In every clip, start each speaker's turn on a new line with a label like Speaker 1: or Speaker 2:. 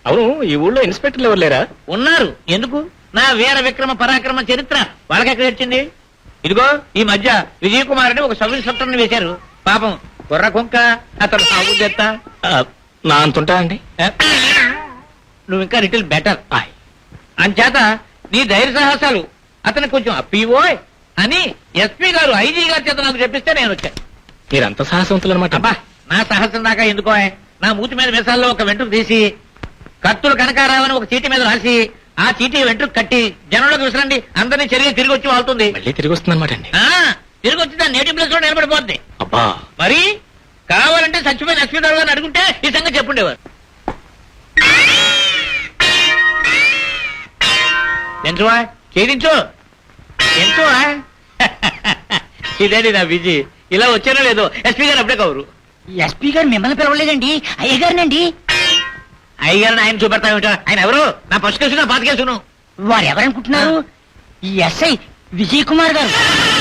Speaker 1: అవును, ఈ ఊళ్ళో ఇన్స్పెక్టర్లు ఎవరు లేరా?
Speaker 2: ఉన్నారు. ఎందుకు? నా వీర విక్రమ పరాక్రమ చరిత్ర వాళ్ళకెక్కడ వచ్చింది? ఇదిగో ఈ మధ్య విజయ్ కుమార్ అని ఒక సబ్ ఇన్స్పెక్టర్ ని వేశారు. పాపం కుర్ర కుంక, అతను సాగు చేస్తా.
Speaker 1: నా అంతుంటా అండి.
Speaker 2: నువ్వు ఇంకా లిటిల్ బెటర్. అంచేత నీ ధైర్య సాహసాలు అతను కొంచెం అప్పివోయ్ అని ఎస్పీ గారు, ఐజీ గారి చేత నాకు చెప్పిస్తే నేను వచ్చాను.
Speaker 1: మీరంత సాహసవంతులు అనమాట.
Speaker 2: అబ్బా, నా సాహసం దాకా ఎందుకో? నా మూతి మీద మిసాల్లో ఒక వెంట్రుకు తీసి కత్తులు కనకారావని ఒక చీటీ మీద రాసి ఆ చీటీ వెంట్రుకు కట్టి జనంలోకి విసరండి, అందరినీ తిరిగి వచ్చి వాళ్తుంది.
Speaker 1: మళ్ళీ తిరిగి వస్తుంది అనమాట అండి.
Speaker 2: తిరిగి వచ్చి దాని నేటివ్ ప్లేస్ లో నిలబడిపోద్ది.
Speaker 1: అబ్బా,
Speaker 2: మరి కావాలంటే చచ్చిపోయిన ఎస్పీ గారు గారిని అడుగుంటే ఈ సంగతి చెప్పుండేవారు. ఎంచువా చేయించు ఎంచువా. ఇదేంటి నా బిజీ, ఇలా వచ్చానో లేదో ఎస్పీ గారు అప్పుడే కవరు.
Speaker 3: ఎస్పీ గారు మిమ్మల్ని పిలవలేదండి, అయ్యగారినండి.
Speaker 2: అయ్యగారిని ఆయన చూపెడతామేటో? ఆయన ఎవరు? నా పసు కేసు, నా పాత కేసును.
Speaker 3: వారు ఎవరనుకుంటున్నారు? ఈ ఎస్ఐ విజయ్ కుమార్ గారు.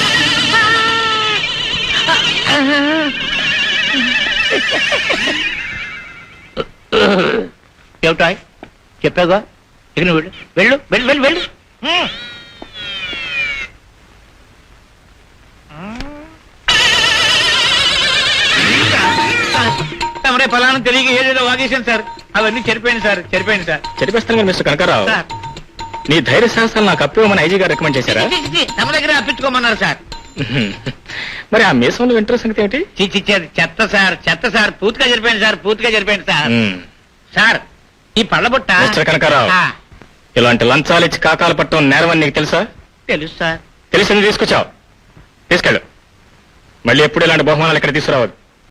Speaker 2: ఏమిటా చెప్పాగా? ఇక నువ్వు వెళ్ళు వెళ్ళు వెళ్ళు వెళ్ళు. తమరే ఫలానా తెలియక ఏదేదో వాగేశాను సార్. అవన్నీ చెరిపోయింది సార్.
Speaker 1: చెరిపేస్తాను కానీ మిస్టర్ కనకారావు,
Speaker 2: సార్,
Speaker 1: నీ ధైర్య సాహసాలు నాకు అప్పివ్వమని ఐజీ గారు రికమెండ్ చేశారా?
Speaker 2: తమ దగ్గర అప్పించుకోమన్నారు సార్.
Speaker 1: మరి ఆ మీసంలో ఇంటర్ సంగతి ఏమిటి?
Speaker 2: చిచ్చిచ్చేది చెత్త సార్. పూర్తిగా జరిపోయింది సార్. సార్, ఈ పళ్ళబుట్ట.
Speaker 1: మిస్టర్ కనకారావు, ఇలాంటి లంచాలు ఇచ్చి కాకాలు పట్టడం నేరం అని నీకు తెలుసా?
Speaker 2: తెలుసు సార్.
Speaker 1: తెలిసింది తీసుకొచ్చావు, తీసుకెళ్ళు. మళ్ళీ ఎప్పుడు ఇలాంటి బహుమానాలు ఇక్కడ తీసుకురావద్దు.